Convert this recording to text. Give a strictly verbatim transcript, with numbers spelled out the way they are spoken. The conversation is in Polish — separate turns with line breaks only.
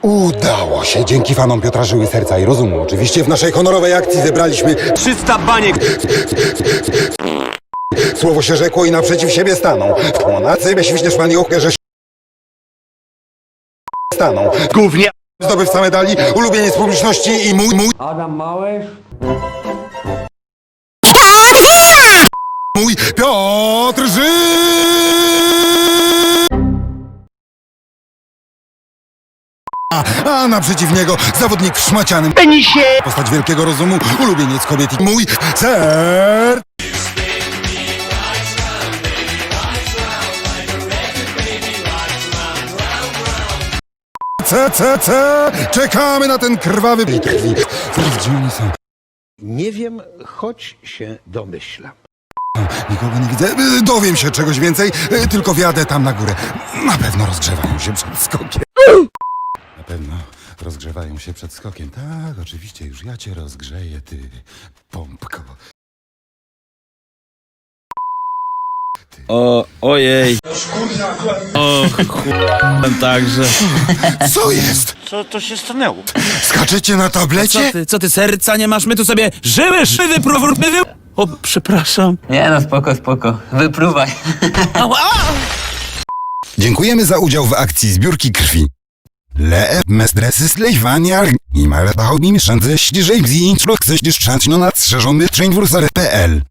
Udało się. Dzięki fanom Piotra Żyły Serca i Rozumu. Oczywiście w naszej honorowej akcji zebraliśmy
trzysta baniek.
Słowo się rzekło i naprzeciw siebie staną. Na cybie świśniesz maniochkę, że staną.
Głównie.
Zdobywca medali, ulubieniec publiczności i mój, mój,
Adam Małysz.
mój Piotr Ży... A, a naprzeciw niego zawodnik w szmacianym
Penisie.
postać wielkiego rozumu, ulubieniec kobiet i mój ser... C, C, C! Czekamy na ten krwawy blik krwi. Gdzie oni są?
Nie wiem, choć się domyślam.
Nikogo nie widzę. Y, Dowiem się czegoś więcej, y, tylko wjadę tam na górę. Na pewno rozgrzewają się przed skokiem. Na pewno rozgrzewają się przed skokiem. Tak, oczywiście, już ja cię rozgrzeję, ty pompko.
O, ojej. O, chuj, także.
Co jest?
Co to się stanęło?
Skaczecie na
Co
tablecie?
ty, co ty, serca nie masz? My tu sobie żyły, żywy, próbujmy wy... O, przepraszam.
Nie no, spoko, spoko. Wypruwaj.
Dziękujemy za udział w akcji zbiórki krwi. Le mestresy slejwaniar i mareta hobby mieszance ściżej bzi intruk chcesz na nadszerzony train w P L.